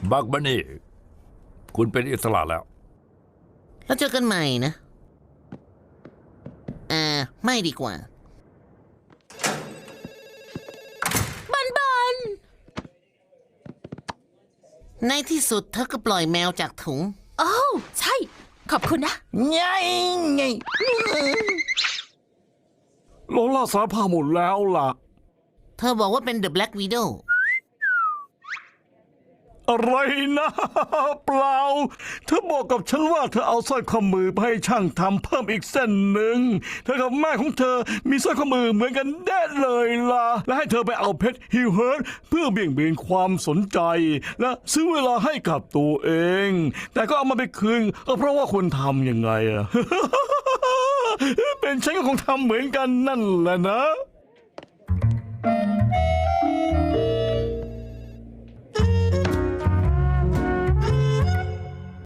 บักบันนี่คุณเป็นอิสระแล้วแล้วเจอกันใหม่นะไม่ดีกว่าบันในที่สุดเธอก็ปล่อยแมวจากถุงโอ้ใช่ขอบคุณนะไงโลล่าสารภาพหมดแล้วล่ะเธอบอกว่าเป็น The Black Widow อะไรนะเปล่าเธอบอกกับฉันว่าเธอเอาสร้อยข้อมือไปให้ช่างทำเพิ่มอีกเส้นหนึ่งเธอกับแม่ของเธอมีสร้อยข้อมือเหมือนกันแน่เลยล่ะและให้เธอไปเอาเพชรฮิวเฮิร์ตเพื่อเบี่ยงเบนความสนใจและซื้อเวลาให้กับตัวเองแต่ก็เอามาไปคืนเพราะว่าควรทำยังไงอะ เป็นฉันก็คงทำเหมือนกันนั่นแหละนะ